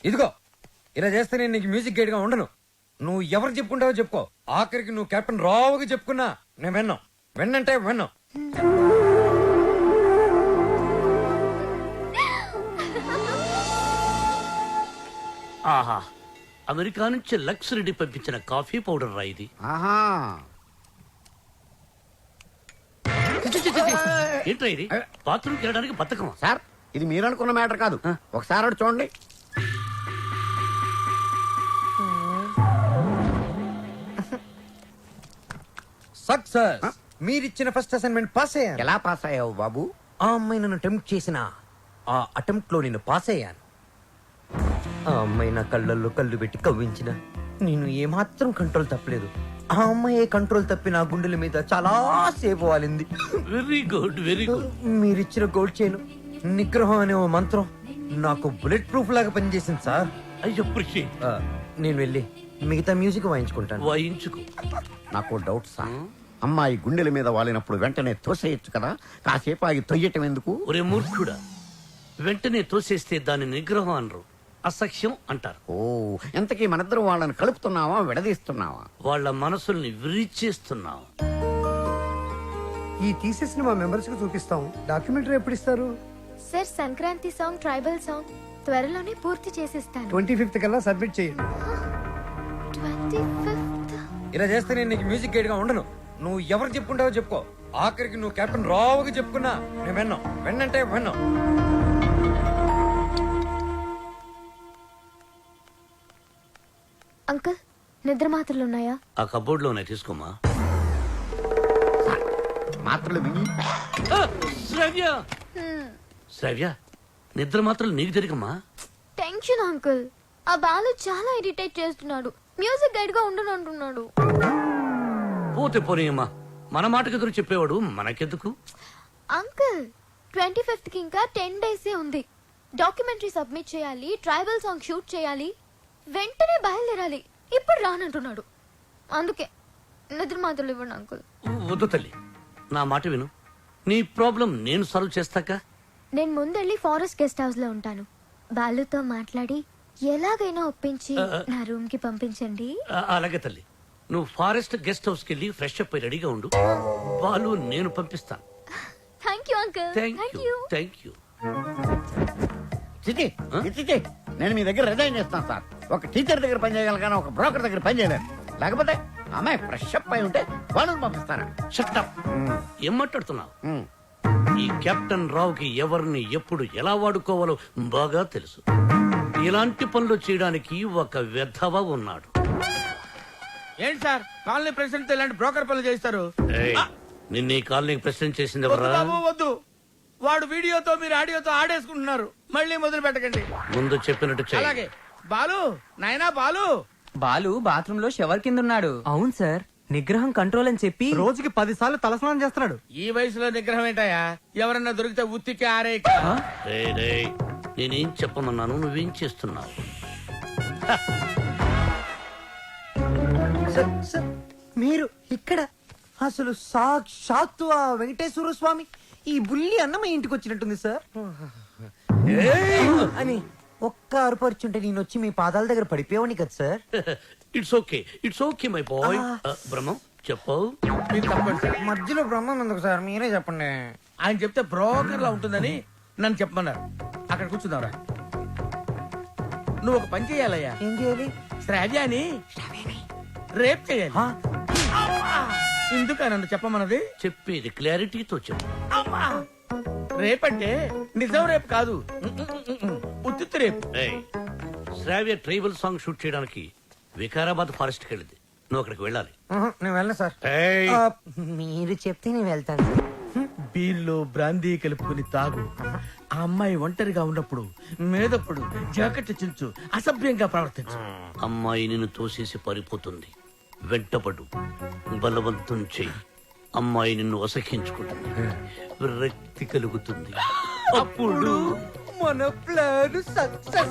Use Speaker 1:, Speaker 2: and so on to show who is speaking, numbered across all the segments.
Speaker 1: ఇదిగో ఇలా చేస్తే నేను నీకు మ్యూజిక్ గైడ్ గా ఉండను. నువ్వు ఎవరు చెప్పుకుంటావో చెప్పుకో. ఆఖరికి నువ్వు కెప్టెన్ రావుగా చెప్పుకున్నా నేను విన్నాం. విన్నంటే విన్నాం.
Speaker 2: ఆహా, అమెరికా నుంచి లక్స్ రెడ్డి పంపించిన కాఫీ పౌడర్ రా ఇది.
Speaker 3: ఆహా,
Speaker 2: ఏంట్రా ఇది? బాత్రూమ్కి వెళ్ళడానికి బతకమా?
Speaker 3: సార్ ఇది మీరు అనుకున్న మ్యాటర్ కాదు. ఒకసారి అటు చూడండి.
Speaker 1: సక్సెస్. మీరిచ్చిన ఫస్ట్ అసైన్మెంట్ పాస్ అయ్యాను.
Speaker 3: ఎలా పాస్ అయ్యావు బాబు?
Speaker 1: ఆ అమ్మాయి నన్ను అటెంప్ట్ చేసిన ఆ అటెంప్ట్ లో నేను పాస్ అయ్యాను. ఆ అమ్మాయి నా కళ్ళల్లో కళ్ళు పెట్టి కవ్వించిన నేను ఏమాత్రం కంట్రోల్ తప్పలేదు. ఆ అమ్మాయి కంట్రోల్ తప్పి నా గుండెల మీద చాలా సేపు వాలింది.
Speaker 2: Very good, very good.
Speaker 1: మీరిచ్చిన గోల్డ్ చైన్ నిగ్రహం అనే ఓ మంత్రం నాకు బుల్లెట్ ప్రూఫ్ లాగా పనిచేసింది సార్.
Speaker 2: I appreciate.
Speaker 1: నేను వెళ్ళి మిగతా మ్యూజిక్ వాయించుకుంటాను.
Speaker 2: వాయించుకో.
Speaker 3: నాకు డౌట్ సార్. అమ్మాయి గుండెల మీద వాలినప్పుడు వెంటనే తోసేయచ్చు కదా, కాసేపు ఆగి తొయ్యటం ఎందుకు?
Speaker 2: ఒరే మూర్ఖుడా, వెంటనే తోసేస్తే దాని నిగ్రహం అనరు, అసఖ్యం అంటారు.
Speaker 3: ఓ, ఎంతకీ మనిద్దరం వాళ్ళని కలుపుతున్నావా విడదీస్తున్నావా?
Speaker 2: వాళ్ళ మనసుల్ని విరిచేస్తున్నావు.
Speaker 4: ఈ థీసిస్ ని మా మెంబర్స్ కు చూపిస్తాం. డాక్యుమెంటరీ ఎప్పుడు ఇస్తారు?
Speaker 5: Sir Sankranti song, tribal song త్వరలోనే పూర్తి చేసిస్తాను.
Speaker 4: 25th కల్లా సబ్మిట్ చేయండి.
Speaker 5: 25th?
Speaker 1: ఇలా చేస్తే నేను నీకు మ్యూజిక్ గైడ్ గా ఉండను. నువ్వు ఎవరు చెప్పుకుంటావో చెప్పుకో. ఆఖరికి నువ్వు కెప్టెన్ రావుగా చెప్పుకున్నా నేను విన్నాం. విన్నంటే విన్నాం.
Speaker 5: అంకుల్, నిద్ర మాత్రలు ఉన్నాయా?
Speaker 2: ఆ కబోర్డ్ లో ఉన్నాయి, తీసుకోమా.
Speaker 3: మాత్రలు మింగి
Speaker 2: శ్రవ్య, శ్రవ్య, నిద్ర మాత్రం నీకు తిరిగమ్మా.
Speaker 5: Tension uncle. ఆ బాలు చాలా ఇరిటేట్ చేస్తున్నాడు. మ్యూజిక్ గైడ్ గా ఉండను అంటున్నాడు.
Speaker 2: పోతే పోనీయమ్మా, మన మాటకు ఎదురు చెప్పేవాడు మనకెందుకు?
Speaker 5: అంకుల్, 25th కి ఇంకా 10 days ఉంది. డాక్యుమెంటరీ సబ్మిట్ చేయాలి, ట్రైబల్ సాంగ్ షూట్ చేయాలి, వెంటనే బయలుదేరాలి. ఇప్పుడు రానంటున్నాడు. అందుకే నిద్ర మాత్రలు ఇవ్వండి అంకుల్.
Speaker 2: వద్దు తల్లి, నా మాట విను. నీ ప్రాబ్లం నేను సాల్వ్ చేస్తాక.
Speaker 5: నేను ముందెళ్ళి ఫారెస్ట్ గెస్ట్ హౌస్ లో ఉంటాను. బాలుతో మాట్లాడి ఎలాగైనా ఒప్పించి నా రూమ్ కి పంపించండి.
Speaker 2: అలాగే తల్లి, నువ్వు ఫారెస్ట్ గెస్ట్ హౌస్ కి వెళ్ళి ఫ్రెష్ అప్ అయి రెడీగా ఉండు. వాళ్ళు నేను పంపిస్తాను.
Speaker 5: Thank you uncle.
Speaker 2: Thank you, thank you.
Speaker 3: చిచి, చిచి, నేను మీ దగ్గర రిజైన్ చేస్తాను సార్. ఒక టీచర్ దగ్గర పని చేయగలను కానీ ఒక బ్రోకర్ దగ్గర పని చేయలేను. లేకపోతే అమ్మాయి ఫ్రెష్ అప్ అయి ఉంటే వాళ్ళని పంపిస్తాను.
Speaker 2: Shut up. ఏం మాట్లాడుతున్నావు? ఈ కెప్టెన్ రావుకి ఎవరిని ఎప్పుడు ఎలా వాడుకోవాలో బాగా తెలుసు. ఇలాంటి పనులు చేయడానికి ఒక వెధవ ఉన్నాడు.
Speaker 6: ఏంటి సార్, కాలనీ ప్రెసిడెంట్ ఇలాంటి బ్రోకర్ పనులు చేస్తారు?
Speaker 2: ఏయ్, నిన్న ఈ కాలనీకి ప్రెసిడెంట్ చేసింది
Speaker 6: వద్దు
Speaker 2: ఎవరా?
Speaker 6: బాబు, వద్దు. వాడు వీడియోతో మీరు ఆడియోతో ఆడేసుకుంటున్నారు. మళ్ళీ మొదలు పెట్టకండి.
Speaker 2: ముందు చెప్పినట్టు చెయ్యి.
Speaker 6: అలాగే. బాలు, నాయనా బాలు.
Speaker 7: బాలు బాత్రూమ్ లో షవర్ కింద ఉన్నాడు.
Speaker 8: అవును సార్, నిగ్రహం కంట్రోల్ అని చెప్పి
Speaker 4: రోజుకి 10 సార్లు తలస్నానం చేస్తున్నాడు.
Speaker 6: ఈ వయసులో నిగ్రహం ఏంటయ్యా? ఎవరన్నా దొరికితే ఉత్తికి ఆరే.
Speaker 2: రేయ్, రేయ్, నేనేం చెప్పమన్నాను, నువ్వేం చేస్తున్నావు?
Speaker 1: సార్, మీరు ఇక్కడ అసలు సాక్షాత్తు ఆ వెంకటేశ్వర స్వామి ఈ బుల్లి అన్న మా ఇంటికి వచ్చినట్టుంది సార్ అని ఒక్క అరుపరుచుంటే నేను వచ్చి మీ పాదాల దగ్గర పడిపోయావని కదా sir.
Speaker 2: It's okay, it's okay my boy. Brahmam చెప్పు.
Speaker 6: మీరు తప్పండి సార్.
Speaker 1: మధ్యలో బ్రహ్మం ఎందుకు సార్, మీరే చెప్పండి.
Speaker 6: ఆయన చెప్తే బ్రోకర్ లా ఉంటుందని నన్ను చెప్పమన్నారు. అక్కడ కూర్చుందాంరా. నువ్వు ఒక పని చేయాలయ్యా.
Speaker 1: ఏం చేయాలి?
Speaker 6: శ్రావ్యాని రేప్ చేయాలి. ఎందుక నన్ను చెప్పమన్నది?
Speaker 2: చెప్పేది క్లారిటీతో చెప్పు.
Speaker 6: రేపంటే నిజం రేపు కాదు, ఉత్తిత్తు రేపు.
Speaker 2: ఏయ్, శ్రావ్య ట్రైబల్ సాంగ్ షూట్ చేయడానికి వికారాబాద్ ఫారెస్ట్ కి వెళ్ళింది. నువ్వు అక్కడికి వెళ్ళాలి.
Speaker 1: నేను వెళ్ళను సార్.
Speaker 2: ఏయ్,
Speaker 1: మీరు చెప్తే నేను వెళ్తాను సార్.
Speaker 6: బీర్లో బ్రాందీ కలుపుకుని తాగు. ఆ అమ్మాయి ఒంటరిగా ఉన్నప్పుడు మేదప్పుడు జాకెట్ చించు, అసభ్యంగా ప్రవర్తించు.
Speaker 2: అమ్మాయి నిన్ను తోసేసి పారిపోతుంది. వెంటపడు, బలవంతం చెయ్యి. అమ్మాయి నిన్ను అసహించుకుంటుంది, విరక్తి కలుగుతుంది. అప్పుడు
Speaker 1: మన ప్లాన్ సక్సెస్.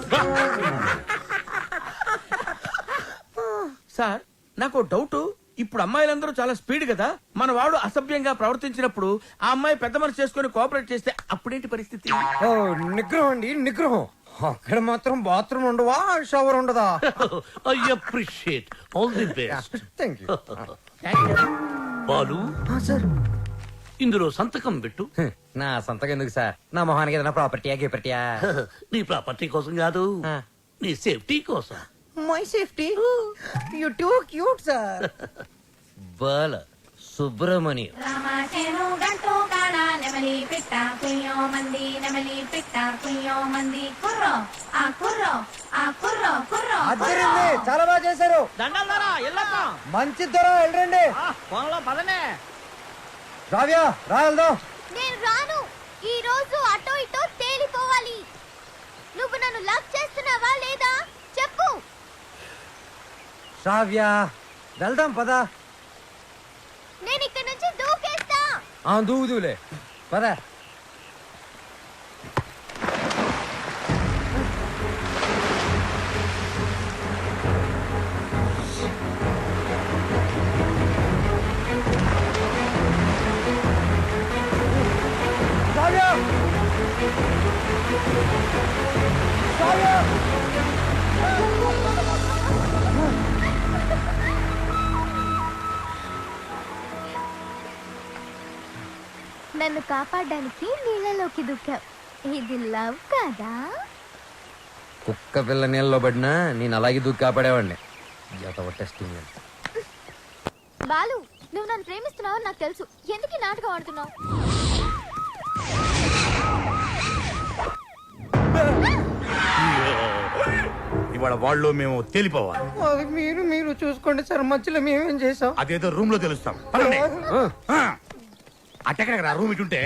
Speaker 6: సార్, నాకు డౌట్. ఇప్పుడు అమ్మాయిలందరూ చాలా స్పీడ్ కదా. మన వాడు అసభ్యంగా ప్రవర్తించినప్పుడు ఆ అమ్మాయి పెద్ద మనసు చేసుకుని కోఆపరేట్ చేస్తే అప్పుడేంటి పరిస్థితి?
Speaker 1: నిగ్రహం అండి, నిగ్రహం. అక్కడ మాత్రం బాత్రూమ్ ఉండవా షవర్ ఉండదా?
Speaker 2: I appreciate all the best.
Speaker 1: Thank you
Speaker 2: Balu,
Speaker 1: sir.
Speaker 2: ఇందులో సంతకం పెట్టు.
Speaker 1: నా సంతకం ఎందుకు సార్? నా మొహానికి ఏదైనా ప్రాపర్టీయా గిపర్టీయా?
Speaker 2: నీ ప్రాపర్టీ కోసం కాదు, నీ సేఫ్టీ కోసం.
Speaker 1: My safety. You too cute sir. Bala Subramanyam.
Speaker 9: రామాచేను గంటూ కాడ నెమలి పిట్ట కుయ్యో మంది నెమలి పిట్ట కుయ్యో మంది కుర్రో ఆ కుర్రో ఆ కుర్రో కుర్రో
Speaker 4: అద్దరింది, చాలా బాగా చేశారు.
Speaker 6: దండాలరా ఎల్లప్ప
Speaker 4: మంచి ధర వెళ్ళండి.
Speaker 6: పొలంలో పదనే.
Speaker 4: రావ్యా రా వెళ్దాం.
Speaker 5: నేను రాను. ఈ రోజు అటో ఇటో తేలిపోవాలి. నువ్వు నన్ను లవ్ చేస్తున్నావా లేదా చెప్పు.
Speaker 4: రావ్యా వెళ్దాం పదా.
Speaker 5: నేను ఇక్కడ నుంచి దూకేస్తా.
Speaker 4: దూదులే పదా.
Speaker 5: నన్ను కాపాడడానికి నీళ్ళలోకి దూకావు. ఇది లవ్ కదా?
Speaker 1: కుక్క పిల్ల నీళ్ళలో పడినా నేను అలాగే దూకి కాపాడేవాడిని. టెస్టింగ్.
Speaker 5: బాలు, నువ్వు నన్ను ప్రేమిస్తున్నావు నాకు తెలుసు. ఎందుకు ఈ నాటకం ఆడుతున్నావు?
Speaker 10: ఇవాళ వాళ్ళు మేము తేలిపోవాలి.
Speaker 4: అది మీరు చూసుకోండి సార్, మధ్యలో మేమేం చేసాం?
Speaker 10: అదేదో రూమ్ లో తెలుస్తాం. అట్టెక్కడ రూమ్ ఇటుంటే.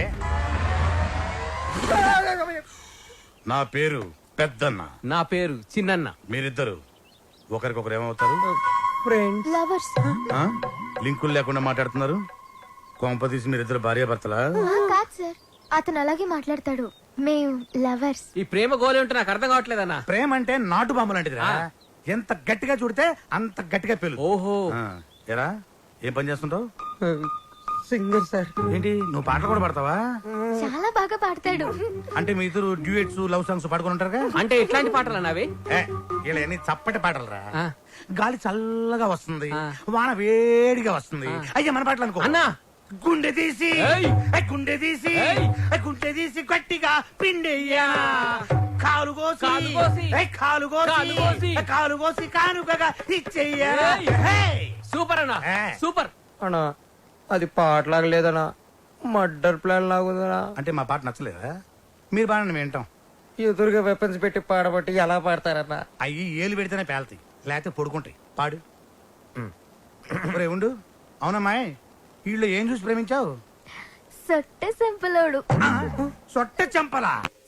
Speaker 10: నా పేరు పెద్దన్న.
Speaker 8: నా పేరు చిన్నన్న.
Speaker 10: మీరిద్దరు ఒకరికొకరు ఏమవుతారు?
Speaker 5: లవర్స్.
Speaker 10: ఆ? లింకులు లేకుండా మాట్లాడుతున్నారు. కొంపదీసి మీరిద్దరు భార్యాభర్తలా?
Speaker 5: కాదు సార్, అతను అలాగే మాట్లాడతాడు. మేము లవర్స్.
Speaker 8: ఈ ప్రేమ గోలే ఉంటే నాకు అర్థం కావట్లేదన్నా.
Speaker 10: ప్రేమ అంటే నాటు బాంబు లాంటిదిరా. ఎంత గట్టిగా చూడితే అంత గట్టిగా పేలు.
Speaker 8: ఓహో.
Speaker 10: ఎరా ఏం పని చేస్తుంటావు?
Speaker 4: Singer sir.
Speaker 10: ఏంటి నువ్వు పాటలు కూడా పాడతావా?
Speaker 5: చాలా బాగా పాడతాడు.
Speaker 10: అంటే మీ ఇద్దరు డ్యూయట్స్ లవ్ సాంగ్స్ పాడుకుని ఉంటారుగా?
Speaker 8: అంటే ఎట్లాంటి పాటలు అన్నావి?
Speaker 10: ఇలా అన్ని చప్పటి పాటలు రా.
Speaker 8: ఆ.
Speaker 10: గాలి చల్లగా వస్తుంది,
Speaker 8: ఆ.
Speaker 10: వాన వేడిగా వస్తుంది. అయ్యా మన పాటలు అనుకో.
Speaker 8: అన్నా.
Speaker 10: గుండె తీసి
Speaker 8: ఏయ్.
Speaker 10: గుండె తీసి
Speaker 8: ఏయ్.
Speaker 10: గుండె తీసి గట్టిగా పిండెయ్యా. కాలు కోసి
Speaker 8: కాలు కోసి.
Speaker 10: కాలు
Speaker 8: కాలు కోసి.
Speaker 10: కోసి కాలు కోసి కానుకగా ఇచ్చెయ్యా.
Speaker 8: ఏయ్. సూపర్ అన్నా,
Speaker 10: ఏ.
Speaker 8: సూపర్.
Speaker 1: అన్నా అది పాటలాగా లేదనా, మర్డర్ ప్లాన్ లాగుందనా.
Speaker 10: అంటే మా పాట నచ్చలేదా? మీరు బాగా వింటాం.
Speaker 1: ఎదురుగా వెపన్స్ పెట్టి పాడబట్టి ఎలా పాడతారన్నా?
Speaker 10: అయ్యి ఏలు పెడితేనే పేలతాయి, లేకపోతే పొడుకుంటాయి. పాడు. ఒరే ఉండు. అవునమ్మాయి, వీళ్ళు ఏం చూసి ప్రేమించావు?
Speaker 5: సొట్ట సింపులోడు.
Speaker 10: సొట్ట చెంపలా?